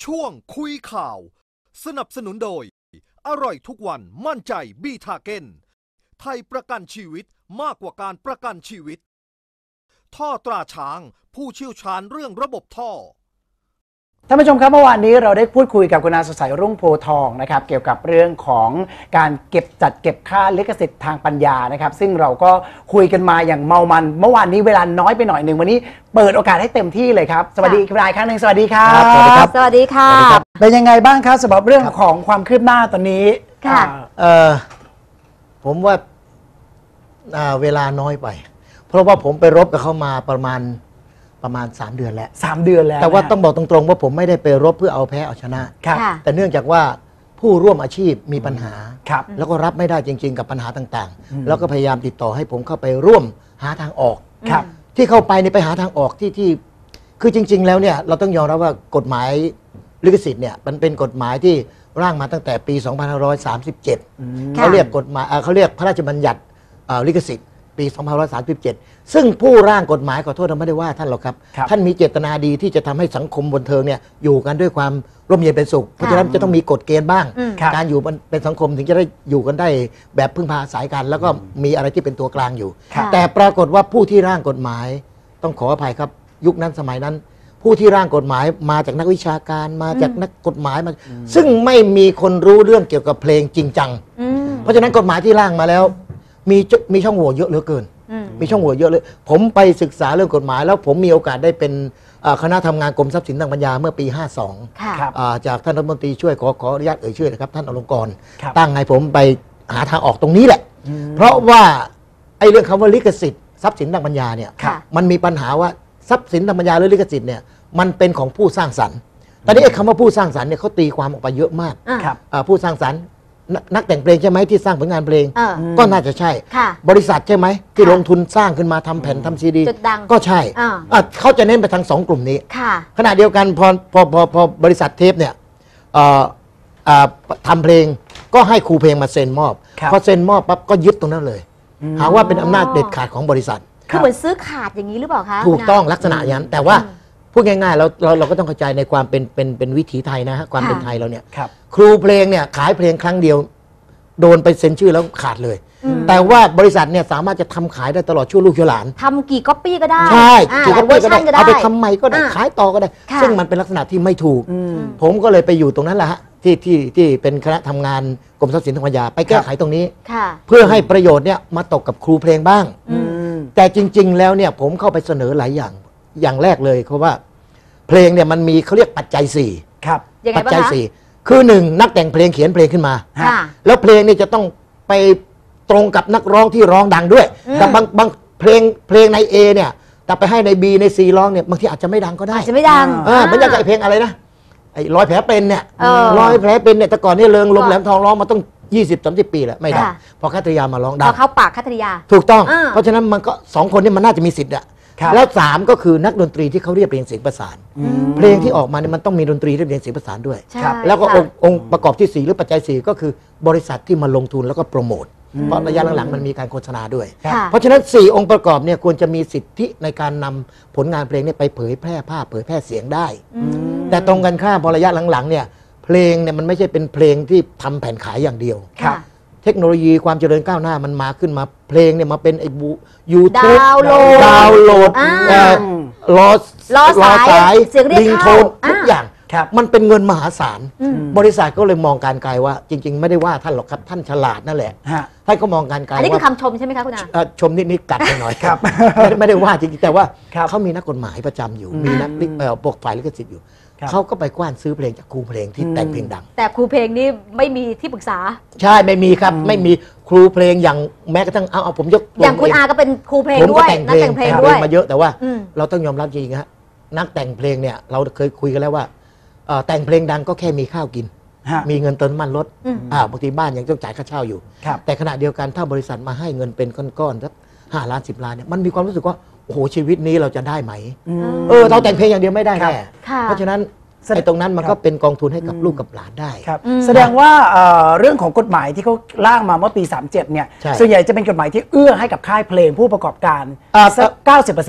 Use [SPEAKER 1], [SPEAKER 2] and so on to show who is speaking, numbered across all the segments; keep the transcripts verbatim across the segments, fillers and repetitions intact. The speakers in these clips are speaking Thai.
[SPEAKER 1] ช่วงคุยข่าวสนับสนุนโดยอร่อยทุกวันมั่นใจบีทาเกนไทยประกันชีวิตมากกว่าการประกันชีวิตท่อตราช้างผู้เชี่ยวชาญเรื่องระบบท่อ
[SPEAKER 2] ท่านผู้ชมครับเมื่อวานนี้เราได้พูดคุยกับคุณอาสดใสรุ่งโพทองนะครับเกี่ยวกับเรื่องของการเก็บจัดเก็บค่าลิขสิทธิ์ทางปัญญานะครับซึ่งเราก็คุยกันมาอย่างเมามันเมื่อวานนี้เวลาน้อยไปหน่อยหนึ่งวันนี้เปิดโอกาสให้เต็มที่เลยครับสวัสดีคุณนายครั้งหนึ่งสวัสดีครับ
[SPEAKER 3] สวัสดีครับสวัสดีค่ะ
[SPEAKER 2] เป็นยังไงบ้างครับสำหรับเรื่องของความคืบหน้าตอนนี้
[SPEAKER 3] ค่ะ
[SPEAKER 4] เออผมว่าเวลาน้อยไปเพราะว่าผมไปรบกับเขามาประมาณประมาณสามเดือนแล้ว
[SPEAKER 2] สามเดือนแล้ว
[SPEAKER 4] แต่ว่าต้องบอกตรงๆว่าผมไม่ได้ไปรบเพื่อเอาแพ้เอาชนะแต่เนื่องจากว่าผู้ร่วมอาชีพมีปัญหาแล้วก็รับไม่ได้จริงๆกับปัญหาต่างๆแล้วก็พยายามติดต่อให้ผมเข้าไปร่วมหาทางออกที่เข้าไปนี่ไปหาทางออกที่ที่คือจริงๆแล้วเนี่ยเราต้องยอมรับว่ากฎหมายลิขสิทธิ์เนี่ยมันเป็นกฎหมายที่ร่างมาตั้งแต่ปีสองพันห้าร้อยสามสิบเจ็ดเขาเรียกกฎหมายเขาเรียกพระราชบัญญัติลิขสิทธิ์ปีสองพันห้าร้อยสามสิบเจ็ดซึ่งผู้ร่างกฎหมายขอโทษเราไม่ได้ว่าท่านหรอกครับท่านมีเจตนาดีที่จะทำให้สังคมบันเทิงเนี่ยอยู่กันด้วยความร่มเย็นเป็นสุขเพราะฉะนั้นจะต้องมีกฎเกณฑ์บ้างการอยู่เป็นสังคมถึงจะได้อยู่กันได้แบบพึ่งพาอาศัยกันแล้วก็มีอะไรที่เป็นตัวกลางอยู่แต่ปรากฏว่าผู้ที่ร่างกฎหมายต้องขออภัยครับยุคนั้นสมัยนั้นผู้ที่ร่างกฎหมายมาจากนักวิชาการมาจากนักกฎหมายมาซึ่งไม่มีคนรู้เรื่องเกี่ยวกับเพลงจริงจังเพราะฉะนั้นกฎหมายที่ร่างมาแล้วมีมีช่องโหว่เยอะเหลือเกินมีช่องโหว่เยอะเลยผมไปศึกษาเรื่องกฎหมายแล้วผมมีโอกาสได้เป็นคณะทำงานกรมทรัพย์สินทางปัญญาเมื่อปีห้าสองจากท่านรัฐมนตรีช่วยขอขออนุญาตเอ่ยชื่อนะครับท่านอลงกรณ์ตั้งให้ผมไปหาทางออกตรงนี้แหละเพราะว่าไอ้เรื่องคำว่าลิขสิทธิ์ทรัพย์สินทางปัญญาเนี่ยมันมีปัญหาว่าทรัพย์สินทางปัญญาหรือลิขสิทธิ์เนี่ยมันเป็นของผู้สร้างสรรค์ตอนนี้ไอ้คำว่าผู้สร้างสรรค์เนี่ยเขาตีความออกไปเยอะมากผู้สร้างสรรค์นักแต่งเพลงใช่ไหมที่สร้างผลงานเพลงก็น่าจะใช่บริษัทใช่ไหมที่ลงทุนสร้างขึ้นมาทำแผ่นทำซีดีก็ใช่เขาจะเน้นไปทางสองกลุ่มนี้ขณะเดียวกันพอพอพอพอบริษัทเทปเนี่ยทำเพลงก็ให้ครูเพลงมาเซ็นมอบพอเซ็นมอบปั๊บก็ยึดตรงนั้นเลยหาว่าเป็นอำนาจเด็ดขาดของบริษัท
[SPEAKER 3] คือเหมือนซื้อขาดอย่างนี้หรือเปล่าคะ
[SPEAKER 4] ถูกต้องลักษณะอย่างนั้นแต่ว่าพูดง่ายๆเราเราเราก็ต้องเข้าใจในความเป็นเป็นเป็นวิถีไทยนะฮะความเป็นไทยเราเนี่ยครูเพลงเนี่ยขายเพลงครั้งเดียวโดนไปเซ็นชื่อแล้วขาดเลยแต่ว่าบริษัทเนี่ยสามารถจะทำขายได้ตลอดชั่วลูกชั่วหลาน
[SPEAKER 3] ทำกี่ก๊อปปี้ก็ได้
[SPEAKER 4] ใช่กี่ก๊อปปี้ก็ได้เอาไปทำใหม่ก็ได้ขายต่อก็ได้ซึ่งมันเป็นลักษณะที่ไม่ถูกผมก็เลยไปอยู่ตรงนั้นแหละฮะที่ที่ที่เป็นคณะทำงานกรมทรัพย์สินทางปัญญาไปแก้ไขตรงนี้เพื่อให้ประโยชน์เนี่ยมาตกกับครูเพลงบ้างแต่จริงๆแล้วเนี่ยผมเข้าไปเสนอหลายอย่างอย่างแรกเลยเพราะว่าเพลงเนี่ยมันมีเขาเรียกปัจจัยสี่ปัจจัยสี่คือหนึ่งนักแต่งเพลงเขียนเพลงขึ้นมาแล้วเพลงนี่จะต้องไปตรงกับนักร้องที่ร้องดังด้วยแต่บางบางเพลงเพลงใน A เนี่ยแต่ไปให้ใน B ใน C ร้องเนี่ยบางทีอาจจะไม่ดังก็ได้
[SPEAKER 3] อาจจะไม่ดัง
[SPEAKER 4] เออมันจะไอเพลงอะไรนะไอ้รอยแผลเป็นเนี่ยรอยแผลเป็นเนี่ยแต่ก่อนนี่เริงลมแหลมทองร้องมาต้องยี่สิบ สามสิบปีแล้วไม่ได้พอคัตริยามาร้องดัง
[SPEAKER 3] พอเข้าปากคัตริยา
[SPEAKER 4] ถูกต้องเพราะฉะนั้นมันก็สองคนนี้มันน่าจะมีสิทธิ์อะแล้วสามก็คือนักดนตรีที่เขาเรียบเรียงเสียงประสานเพลงที่ออกมาเนี่ยมันต้องมีดนตรีเรียบเรียงเสียงประสานด้วยแล้วก็องค์ประกอบที่สี่หรือปัจจัยสี่ก็คือบริษัทที่มาลงทุนแล้วก็โปรโมทเพราะระยะหลังๆมันมีการโฆษณาด้วยเพราะฉะนั้นสี่องค์ประกอบเนี่ยควรจะมีสิทธิในการนำผลงานเพลงเนี่ยไปเผยแพร่ภาพเผยแพร่เสียงได้แต่ตรงกันข้ามพอระยะหลังๆเนี่ยเพลงเนี่ยมันไม่ใช่เป็นเพลงที่ทำแผ่นขายอย่างเดียวเทคโนโลยีความเจริญก้าวหน้ามันมาขึ้นมาเพลงเนี่ยมาเป็นไอ้บูยูทูบ
[SPEAKER 3] ดาวน์โหลด
[SPEAKER 4] ดาวน์โหลดรอ
[SPEAKER 3] รอสาย
[SPEAKER 4] ลิงโทนทุกอย่างมันเป็นเงินมหาศาลบริษัทก็เลยมองการไกลว่าจริงๆไม่ได้ว่าท่านหรอกครับท่านฉลาดนั่นแหละท่านก็มองการไกลว่าอั
[SPEAKER 3] นนี้คือคำชมใช่ไหมคะคุณอา
[SPEAKER 4] ชมนิดๆกัดไปหน่อยครับไม่ได้ว่าจริงๆแต่ว่าเขามีนักกฎหมายประจำอยู่มีนักปกฝ่ายลิขสิทธิ์อยู่เขาก็ไปกว้านซื้อเพลงจากครูเพลงที่แต่งเพลงดัง
[SPEAKER 3] แต่ครูเพลงนี่ไม่มีที่ปรึกษา
[SPEAKER 4] ใช่ไม่มีครับไม่มีครูเพลงอย่างแม้กระทั่งเอาเอาผมยก
[SPEAKER 3] อย่างคุณอาก็เป็นครูเพลงด้วยนักแต่งเพลงด้วย
[SPEAKER 4] มาเยอะแต่ว่าเราต้องยอมรับจริงๆฮะนักแต่งเพลงเนี่ยเราเคยคุยกันแล้วว่าแต่งเพลงดังก็แค่มีข้าวกินมีเงินเติมน้ำมันรถบางทีบ้านยังต้องจ่ายค่าเช่าอยู่แต่ขณะเดียวกันถ้าบริษัทมาให้เงินเป็นก้อนๆสักห้าล้านสิบล้านเนี่ยมันมีความรู้สึกว่าโอ้โหชีวิตนี้เราจะได้ไหมเออเราแต่งเพลงอย่างเดียวไม่ได้แน่เพราะฉะนั้นไอ้ตรงนั้นมันก็เป็นกองทุนให้กับลูกกับหลานได้
[SPEAKER 2] แสดงว่าเรื่องของกฎหมายที่เขาร่างมาเมื่อปีสามสิบเจ็ดเนี่ยส่วนใหญ่จะเป็นกฎหมายที่เอื้อให้กับค่ายเพลงผู้ประกอบการสัก เก้าสิบเปอร์เซ็นต์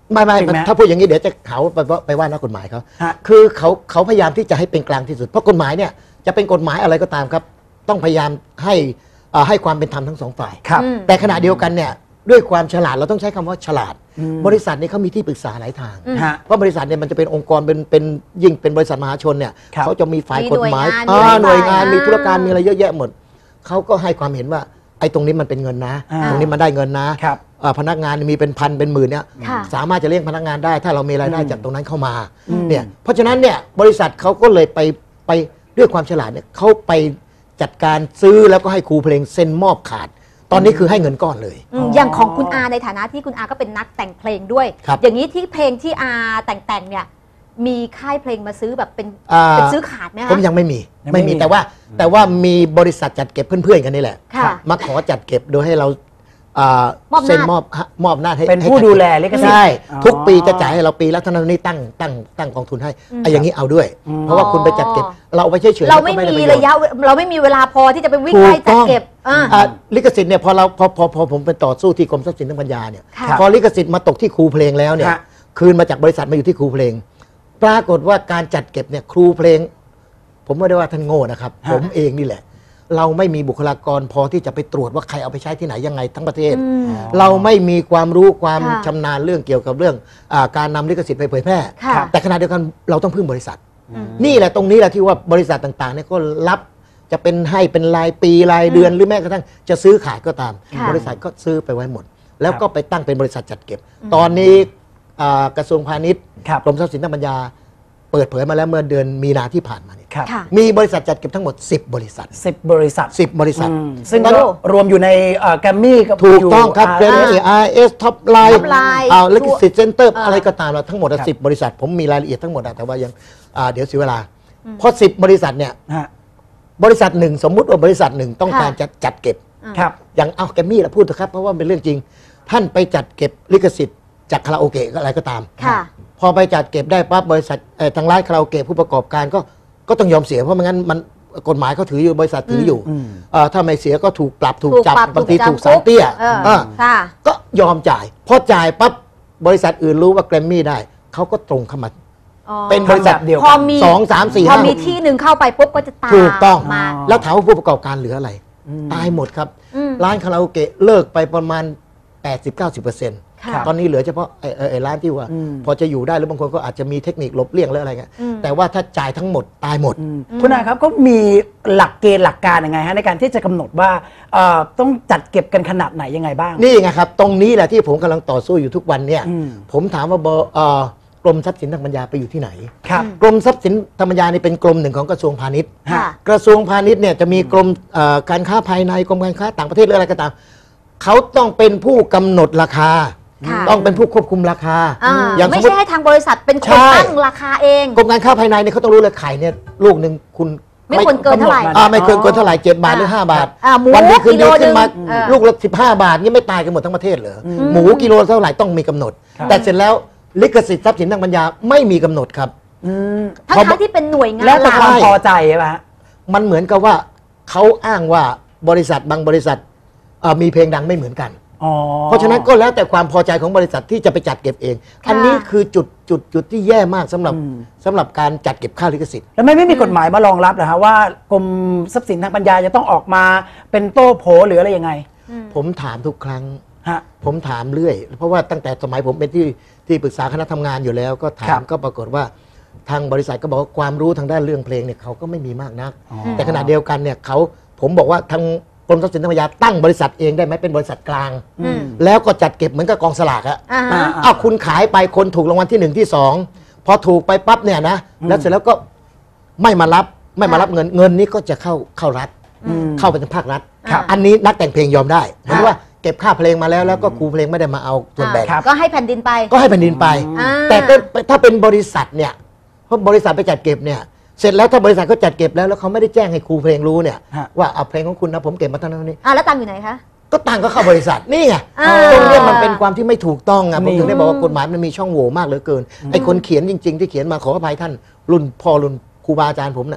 [SPEAKER 4] ไม่ไม่
[SPEAKER 2] จริงไหม
[SPEAKER 4] ถ้าพูดอย่างนี้เดี๋ยวจะเขาไปว่าไปว่านักกฎหมายเขา
[SPEAKER 2] ฮะ
[SPEAKER 4] คือเขาเขาพยายามที่จะให้เป็นกลางที่สุดเพราะกฎหมายเนี่ยจะเป็นกฎหมายอะไรก็ตามครับ ต้องพยายามให้อ่าให้ความเป็นธรรมทั้งสองฝ่าย
[SPEAKER 2] ครับ
[SPEAKER 3] อืม
[SPEAKER 4] แต่ขณะเดียวกันเนี่ยด้วยความฉลาดเราต้องใช้คำว่าฉลาด
[SPEAKER 2] อืม
[SPEAKER 4] บริษัทนี้เขามีที่ปรึกษาหลายทาง
[SPEAKER 3] อืม
[SPEAKER 2] ฮะ
[SPEAKER 4] เพราะบริษัทเนี่ยมันจะเป็นองค์กรเป็นเป็นยิ่งเป็นบริษัทมหาชนเนี่ย
[SPEAKER 2] ครับ
[SPEAKER 4] เขาจะมีฝ่าย
[SPEAKER 3] มี
[SPEAKER 4] กฎหมาย
[SPEAKER 3] หน่วยงาน
[SPEAKER 4] อ่า
[SPEAKER 3] มี
[SPEAKER 4] หน่วยงาน
[SPEAKER 3] ฝ่าย
[SPEAKER 4] มีธุรการ
[SPEAKER 3] อ่ามี
[SPEAKER 4] มีอะไรเยอะแยะหมดเขาก็ให้ความเห็นว่าไอ้ตรงนี้มันเป็นเงินนะ
[SPEAKER 2] อ่า
[SPEAKER 4] ตรงนี้มันได้เงินนะครับ อ่าพนักงานมีเป็นพันเป็นหมื่นเนี่ย
[SPEAKER 3] ค่ะ
[SPEAKER 4] สามารถจะเลี้ยงพนักงานได้ ถ้าเรามีรายได้
[SPEAKER 2] อืม
[SPEAKER 4] จากตรงนั้นเข้ามา
[SPEAKER 2] อืม
[SPEAKER 4] เนี่ยเพราะฉะนั้นเนี่ยบริษัทเขาก็เลยไปไปด้วยความฉลาดเนี่ยเขาไปจัดการซื้อแล้วก็ให้ครูเพลงเซ็นมอบขาด ตอนนี้คือให้เงินก้อนเลย
[SPEAKER 3] อืมอย่างของคุณอาในฐานะที่คุณอาก็เป็นนักแต่งเพลงด้วย
[SPEAKER 4] ครับ
[SPEAKER 3] อย่างนี้ที่เพลงที่อาแต่งแต่งๆเนี่ยมีค่ายเพลงมาซื้อแบบเป็น
[SPEAKER 4] อ่า
[SPEAKER 3] เป็นซื้อขาดไหมคะ
[SPEAKER 4] ผมยังไม่มี
[SPEAKER 2] ยังไม่
[SPEAKER 4] ไม่มี
[SPEAKER 2] มี
[SPEAKER 4] แต่ว่าแต่ว่ามีบริษัทจัดเก็บเพื่อนๆกันนี่แหละ
[SPEAKER 3] ค่ะ
[SPEAKER 4] มาขอจัดเก็บโดยให้เราอ่าม
[SPEAKER 3] อบหน้า
[SPEAKER 4] เซ็นมอบฮะมอบหน้าให้
[SPEAKER 2] เป็น
[SPEAKER 4] ให้
[SPEAKER 2] ผู้
[SPEAKER 4] จั
[SPEAKER 2] ดู
[SPEAKER 4] เก็บ
[SPEAKER 2] แลลิขสิทธิ์
[SPEAKER 4] ใช่
[SPEAKER 2] อ๋อ
[SPEAKER 4] ทุกปีจะจ่ายให้เราปีละเท่านั้นนี่ตั้งตั้งตั้งกองทุนให้
[SPEAKER 3] อืม
[SPEAKER 4] ไอ้อย่างนี้เอาด้วย
[SPEAKER 2] อืม
[SPEAKER 4] เพราะว่าคุณไปจัดเก็บ เราเอาไปเฉยๆ
[SPEAKER 3] เราไม่
[SPEAKER 4] นก็ด้
[SPEAKER 3] มี
[SPEAKER 4] ปโชน์
[SPEAKER 3] ระยะเวเราไม่มีเวลาพอที่จะไปวิ่ง
[SPEAKER 4] ถู
[SPEAKER 3] ไล่
[SPEAKER 4] ก
[SPEAKER 3] จัด
[SPEAKER 4] ต้อง
[SPEAKER 3] เก็บอ่า
[SPEAKER 4] อ่าลิขสิทธิ์เนี่ยพอเราพอพอพอผมไปต่อสู้ที่กรมทรัพย์สินทางปัญญาเนี่ย
[SPEAKER 3] ค่ะ
[SPEAKER 4] พอลิขสิทธิ์มาตกที่ครูเพลงแล้วเนี่ย
[SPEAKER 2] ฮะ
[SPEAKER 4] คืนมาจากบริษัทมาอยู่ที่ครูเพลง ปรากฏว่าการจัดเก็บเนี่ยครูเพลง ผมไม่ได้ว่าท่านโง่นะครับ
[SPEAKER 2] ฮะ
[SPEAKER 4] ผมเองนี่แหละ เราไม่มีบุคลากรพอที่จะไปตรวจว่าใครเอาไปใช้ที่ไหนยังไงทั้งประเทศ
[SPEAKER 3] อืม
[SPEAKER 4] เราไม่มีความรู้ความ
[SPEAKER 3] ค่ะ
[SPEAKER 4] ชำนาญเรื่องเกี่ยวกับเรื่องอาการนำลิขสิทธิ์ไปเผยแพร่
[SPEAKER 3] ค่ะ
[SPEAKER 4] แต่ขณะเดียวกันเราต้องพึ่งบริษัท
[SPEAKER 3] อืม
[SPEAKER 4] นี่แหละตรงนี้แหละที่ว่าบริษัทต่างๆเนี่ยก็รับจะเป็นให้เป็นรายปีรายเดือนหรือแม้กระทั่งจะซื้อขายก็ตาม
[SPEAKER 3] ค่ะ
[SPEAKER 4] บริษัทก็ซื้อไปไว้หมด แล้ว
[SPEAKER 2] ครับ
[SPEAKER 4] ก็ไปตั้งเป็นบริษัทจัดเก็บ ตอนนี้อ่ากระทรวงพาณิชย์
[SPEAKER 2] ครับ
[SPEAKER 4] กรมทรัพย์สินทางปัญญา เปิดเผยมาแล้วเมื่อเดือนมีนาที่ผ่านมาเนี่ย
[SPEAKER 2] ครับ
[SPEAKER 3] ค่ะ
[SPEAKER 4] มีบริษัทจัดเก็บทั้งหมด สิบ บริษัท
[SPEAKER 2] สิบบริษัท
[SPEAKER 4] สิบ บริษัท
[SPEAKER 2] อืมซึ่ง
[SPEAKER 4] ตอน
[SPEAKER 2] ก็
[SPEAKER 4] นี้
[SPEAKER 2] รวมอยู่ในแกรมมี่กับ
[SPEAKER 4] ถูกต้องครับ
[SPEAKER 2] ยู่
[SPEAKER 4] เรน
[SPEAKER 2] อ่า
[SPEAKER 4] เอไอเอสท็อปไลน์
[SPEAKER 3] Top Line
[SPEAKER 4] เอาลิขสิทธิ์เซ็นเตอร์
[SPEAKER 3] เอ่ออ
[SPEAKER 4] อะไรก็ตามเราทั้งหมด
[SPEAKER 2] ครับ
[SPEAKER 4] สิบบริษัท ผมมีรายละเอียดทั้งหมดอะแต่ว่ายังอ่าเดี๋ยวเสียเวลาเพราะสิบบริษัทเนี่ย
[SPEAKER 2] ฮะ
[SPEAKER 4] บริษัทหนึ่งสมมุติว่าบริษัทหนึ่งต้องการ
[SPEAKER 3] ค่ะ
[SPEAKER 4] จะจัดเก็บ
[SPEAKER 2] ครับ
[SPEAKER 4] อย่างเอาแกรมมี่ละพูดเถอะครับเพราะว่าเป็นเรื่องจริง ท่านไปจัดเก็บลิขสิทธิ์จากคาราโอเกะอะไรก็ตาม
[SPEAKER 3] ค่ะ
[SPEAKER 4] พอไปจัดเก็บได้ปั๊บบริษัทเอ่อทางร้านคาราโอเกะผู้ประกอบการก็ก็ต้องยอมเสียเพราะไม่งั้นมันกฎหมายเขาถืออยู่บริษัทถืออยู่
[SPEAKER 2] อืม
[SPEAKER 4] เอ่อถ้าไม่เสียก็ถูกปรับถูก
[SPEAKER 3] ถูก
[SPEAKER 4] จับ
[SPEAKER 3] ปรับบ
[SPEAKER 4] างที
[SPEAKER 3] ถู
[SPEAKER 4] ถู
[SPEAKER 3] ก
[SPEAKER 4] ก
[SPEAKER 3] จำ
[SPEAKER 4] สารเตี้ย
[SPEAKER 3] เออ
[SPEAKER 4] เออ
[SPEAKER 3] ค่ะ
[SPEAKER 4] ก็ยอมจ่ายพอจ่ายปั๊บบริษัทอื่นรู้ว่าแกรมมี่ได้เขาก็ตรงเข้ามา
[SPEAKER 3] อ๋อ
[SPEAKER 4] เป็นบริษัท
[SPEAKER 2] ทำแบบเดียว
[SPEAKER 3] พ
[SPEAKER 2] กั
[SPEAKER 3] อน มี
[SPEAKER 4] สองสามสี่
[SPEAKER 3] พอ
[SPEAKER 4] ห้า
[SPEAKER 3] มีที่หนึ่งเข้าไปปุ๊บก็จะตาม
[SPEAKER 4] ถูกต้อง
[SPEAKER 3] มา
[SPEAKER 4] แล้วถามว่าผู้ประกอบการเหลืออะไร ตายหมดครับ
[SPEAKER 3] อืม
[SPEAKER 4] ร้านคาราโอเกะเลิกไปประมาณ แปดสิบถึงเก้าสิบเปอร์เซ็นต์
[SPEAKER 3] ค่ะ
[SPEAKER 4] ตอนนี้เหลือเฉพาะไอ้ไอ้ไอ้ร้านที่ว่า
[SPEAKER 2] อืม
[SPEAKER 4] พอจะอยู่ได้หรือบางคนก็อาจจะมีเทคนิคหลบเลี่ยงหรืออะไรเงี้ย
[SPEAKER 3] อืม
[SPEAKER 4] แต่ว่าถ้าจ่ายทั้งหมดตายหมด
[SPEAKER 2] อืมคุณอาครับก็มีหลักเกณฑ์หลักการยังไงฮะในการที่จะกำหนดว่าเอ่อต้องจัดเก็บกันขนาดไหนยังไงบ้าง
[SPEAKER 4] นี่ไงครับ ตรงนี้แหละที่ผมกำลังต่อสู้อยู่ทุกวันเนี่ย
[SPEAKER 2] อืม
[SPEAKER 4] ผมถามว่าบเอ่อกรมทรัพย์สินทางปัญญาไปอยู่ที่ไหน
[SPEAKER 2] ครับ
[SPEAKER 4] กรมทรัพย์สินทางปัญญานี่เป็นกรมหนึ่งของกระทรวงพาณิชย์
[SPEAKER 3] ค่ะ
[SPEAKER 4] กระทรวงพาณิชย์เนี่ยจะมีกรมเอ่อการค้าภายในกรมการค้าต่างประเทศหรืออะไรก็ตามเขาต้องเป็นผู้กำหนดราคา
[SPEAKER 3] ค่ะ
[SPEAKER 4] ต้องเป็นผู้ควบคุมราคา
[SPEAKER 3] อ่า
[SPEAKER 4] อย่างส
[SPEAKER 3] ไม่
[SPEAKER 4] มม
[SPEAKER 3] ใช่
[SPEAKER 4] ติ
[SPEAKER 3] ให้ทางบริษัทเป็นค
[SPEAKER 4] ใช่
[SPEAKER 3] นตั้งราคาเอง
[SPEAKER 4] กรมการค้าภายในเนี่ยเขาต้องรู้เลยไข่เนี่ยลูกหนึ่งคุณ
[SPEAKER 3] ไม่ควรเกินเท่าไหร่
[SPEAKER 2] กำหนด
[SPEAKER 4] อ่าไม่เกินเกินเท่าไหร่เจ็ดบาทหรือห้าบาท
[SPEAKER 3] อ่าหมู
[SPEAKER 4] วันนี้คืนดีขึ้นมา
[SPEAKER 3] กิโลหนึ่งเออ
[SPEAKER 4] ลูกละสิบห้าบาทนี่ไม่ตายกันหมดทั้งประเทศเหรออหมูกิโลเท่าไหร่ต้องมีกำหนด
[SPEAKER 2] ครับ
[SPEAKER 4] แต่เสร็จแล้วลิขสิทธิ์ทรัพย์สินทางปัญญาไม่มีกำหนดครับ
[SPEAKER 2] อืม
[SPEAKER 3] ทั้ง
[SPEAKER 4] พอ
[SPEAKER 3] ทั้งที่เป็นหน่วยงาน
[SPEAKER 2] แล้วแต่
[SPEAKER 3] ห
[SPEAKER 2] ความ
[SPEAKER 3] ลัก
[SPEAKER 2] พอใจใช่ไหมฮะ
[SPEAKER 4] มันเหมือนกับว่าเขาอ้างว่าบริษัทบางบริษัทเอ่อมีเพลงดังไม่เหมือนกัน
[SPEAKER 2] อ๋อ
[SPEAKER 4] เพราะฉะนั้นก็แล้วแต่ความพอใจของบริษัทที่จะไปจัดเก็บเอง อันนี้คือจุดจุดจุดที่แย่มากสำหรับสำหรับการจัดเก็บค่าลิขสิทธิ์
[SPEAKER 2] แล้วไม่ไม่มีกฎหมายมารองรับเหรอฮะว่ากรมทรัพย์สินทางปัญญาจะต้องออกมาเป็นโต้โผหรืออะไรยังไง
[SPEAKER 4] ผมถามทุกครั้ง
[SPEAKER 2] ฮะ
[SPEAKER 4] ผมถามเรื่อย เพราะว่าตั้งแต่สมัยผมเป็นที่ที่ปรึกษาคณะทำงานอยู่แล้ว ก็ถา
[SPEAKER 2] ครั
[SPEAKER 4] ม
[SPEAKER 2] บ
[SPEAKER 4] ก็ปรากฏว่าทางบริษัทก็บอกว่าความรู้ทางด้านเรื่องเพลงเนี่ยเขาก็ไม่มีมากนัก
[SPEAKER 2] อ๋อ
[SPEAKER 4] แต่ขณะเดียวกันเนี่ยเขาผมบอกว่าทางกรมทรัพย์สินทางปัญญาตั้งบริษัทเองได้ไหมเป็นบริษัทกลาง
[SPEAKER 3] อืม
[SPEAKER 4] แล้วก็จัดเก็บเหมือนกับกองสลากอะ
[SPEAKER 3] อ่าฮะ
[SPEAKER 2] อ่า
[SPEAKER 4] อ้าวคุณขายไปคนถูกรางวัลที่หนึ่งที่สองพอถูกไปปั๊บเนี่ยนะแล้วเสร็จแล้วก็ไม่มารับไม่มารับเงินเงินนี้ก็จะเข้าเข้ารัฐ
[SPEAKER 2] อืม
[SPEAKER 4] เข้าไปทางภาครัฐ
[SPEAKER 3] ครับ
[SPEAKER 4] อันนี้นักแต่งเพลงยอมได้เหมือนว่าเก็บค่าเพลงมาแล้วแล้วก็ครูเพลงไม่ได้มาเอาส่วนแบ่ง
[SPEAKER 2] ครับ
[SPEAKER 3] ก็ให้แผ่นดินไป
[SPEAKER 4] ก็ให้แผ่นดินไป
[SPEAKER 3] อ่า
[SPEAKER 4] แต่ถ้าถ้าเป็นบริษัทเนี่ยเพราะบริษัทไปจัดเก็บเนี่ยเสร็จแล้วถ้าบริษัทเขาจัดเก็บแล้วแล้วเขาไม่ได้แจ้งให้ครูเพลงรู้เนี่ย
[SPEAKER 2] ฮะ
[SPEAKER 4] ว่าเอาเพลงของคุณนะผมเก็บมาเท่านั้นเท่านี้
[SPEAKER 3] อ่าแล้วตังค์อยู่ไหนคะ
[SPEAKER 4] ก็ตังค์ก็เข้าบริษัทนี่ไง
[SPEAKER 3] อ่า
[SPEAKER 4] ตรงเนี้ยมันเป็นความที่ไม่ถูกต้องอ่ะผม
[SPEAKER 2] นี่
[SPEAKER 4] ถึงได้บอกว่ากฎหมายมันมีช่องโหว่มากเหลือเกินไอ้คนเขียนจริง ๆ ที่เขียนมาขออภัยท่านรุ่นพ่อรุ่นครูบาอาจารย์ผมน่ะ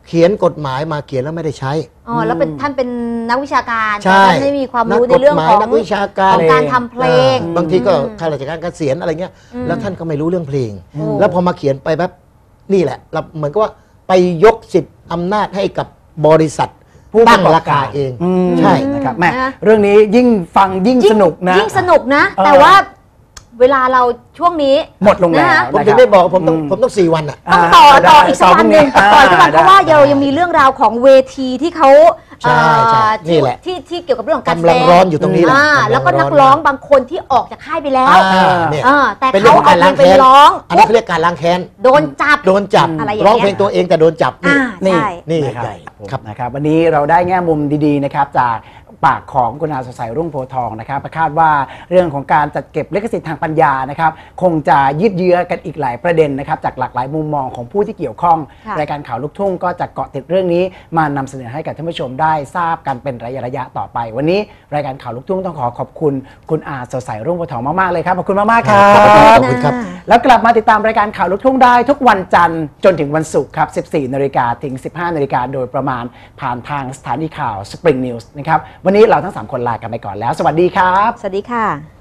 [SPEAKER 4] เขียนกฎหมายมาเขียนแล้วไม่ได้ใช้
[SPEAKER 3] อ๋อแล้วเป็นท่านเป็นนักวิชาการ
[SPEAKER 4] ใช่
[SPEAKER 3] ท่านไม่มีความรู้ในเรื่องของ
[SPEAKER 4] นักวิชาการ
[SPEAKER 3] ของการทำเพลง
[SPEAKER 4] บางทีก็ข้าราชการเกษียณอะไรเงี้ยแล้วท่านก็ไม่รู้เรื่องเพลงแล้วพอมาเขียนไปแบบนี่แหละเราเหมือนกับว่าไปยกสิทธิ์อำนาจให้กับบริษัทผู้ตั้งราคาเองใช่
[SPEAKER 2] นะครับแม่เรื่องนี้ยิ่งฟังยิ่งสนุกนะ
[SPEAKER 3] ยิ่งสนุกนะแต่ว่าเวลาเราช่วงนี้
[SPEAKER 2] หมดลงแล้ว
[SPEAKER 4] ผมถึงได้บอกผมต้องผมต้องสี่วันอ่ะ
[SPEAKER 3] ต้องต่อต่ออีกสักวันหนึ่งต่ออีกวันเพราะว่าเรายังมีเรื่องราวของเวทีที่เขา
[SPEAKER 4] นี่แหละ
[SPEAKER 3] ที่ที่เกี่ยวกับเรื่องของการแสดง
[SPEAKER 4] ร้อนอยู่ตรงนี้แหละ
[SPEAKER 3] แล้วก็นักร้องบางคนที่ออกจากค่ายไปแล้วแต่
[SPEAKER 4] เขา
[SPEAKER 3] เอาเพลงไปร้อง
[SPEAKER 4] อันนี้เขาเรียกการล้างแค้น
[SPEAKER 3] โดนจับ
[SPEAKER 4] โดนจับร้องเพลงตัวเองแต่โดนจับ
[SPEAKER 3] นี่
[SPEAKER 4] นี่
[SPEAKER 2] ครับนะครับวันนี้เราได้แง่มุมดีๆนะครับจากปากของคุณอาสดใสรุ่งโพธิ์ทองนะครับคาดว่าเรื่องของการจัดเก็บลิขสิทธิ์ทางปัญญานะครับคงจะยืดเยื้อกันอีกหลายประเด็นนะครับจากหลากหลายมุมมองของผู้ที่เกี่ยวข้องรายการข่าวลูกทุ่งก็จะเกาะติดเรื่องนี้มานำเสนอให้กับท่านผู้ชมได้ทราบกันเป็นระยะระยะต่อไปวันนี้รายการข่าวลูกทุ่งต้องขอขอบคุณคุณอาสดใสรุ่งโพธิ์ทองมากๆเลยครับขอบคุณมากๆครับ
[SPEAKER 4] ขอบคุณครับ
[SPEAKER 2] แล้วกลับมาติดตามรายการข่าวลูกทุ่งได้ทุกวันจันทร์จนถึงวันศุกร์ครับสิบสี่นาฬิกาถึงสิบห้านาฬิกาโดยประมาณผ่านทางสถานีข่าว Spring News นะครับวันนี้เราทั้งสามคนลากันไปก่อนแล้วสวัสดีครับ
[SPEAKER 3] สวัสดีค่ะ